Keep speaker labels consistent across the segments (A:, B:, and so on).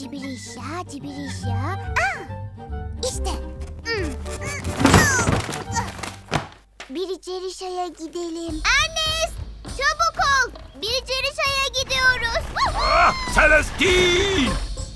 A: Cibirişya, cibirişya. İşte. Biricerişa'ya gidelim. Ernest, çabuk ol. Biricerişa'ya gidiyoruz.
B: Celestine!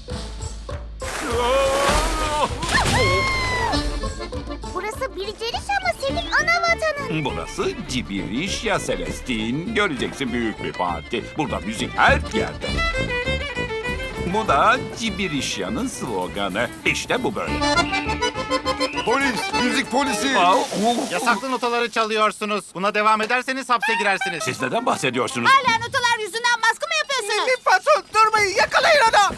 A: Burası Biricerişa mı, senin ana vatanın?
B: Burası Cibirişya Celestine. Göreceksin, büyük bir parti. Burada müzik her yerde. Bu da Cibirişya'nın sloganı. İşte bu böyle.
C: Polis, müzik polisi.
D: Yasaklı notaları çalıyorsunuz. Buna devam ederseniz hapse girersiniz.
B: Siz neden bahsediyorsunuz?
E: Hala notalar yüzünden baskı mı yapıyorsunuz?
C: Patron durmayın, yakalayın onu.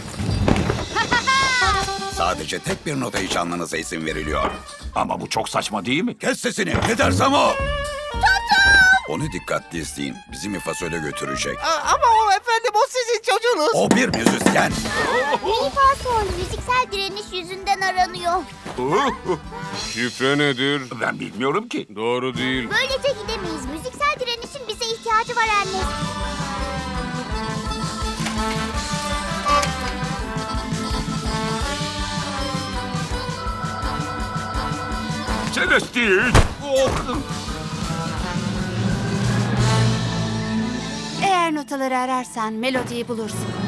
F: Sadece tek bir notayı çalmanıza izin veriliyor.
B: Ama bu çok saçma değil mi?
F: Kes sesini. Ne dersem o. Onu dikkatli izleyin. Bizi Mifasöl'e götürecek.
C: Ama o efendim, o sizin çocuğunuz.
F: O bir müzisyen.
A: Mi fa sol müziksel direniş yüzünden aranıyor.
G: Şifre nedir?
B: Ben bilmiyorum ki.
G: Doğru değil.
A: Böylece gidemeyiz. Müziksel direnişin bize ihtiyacı var Ernest.
B: Celestine!
E: Eğer notaları ararsan melodiyi bulursun.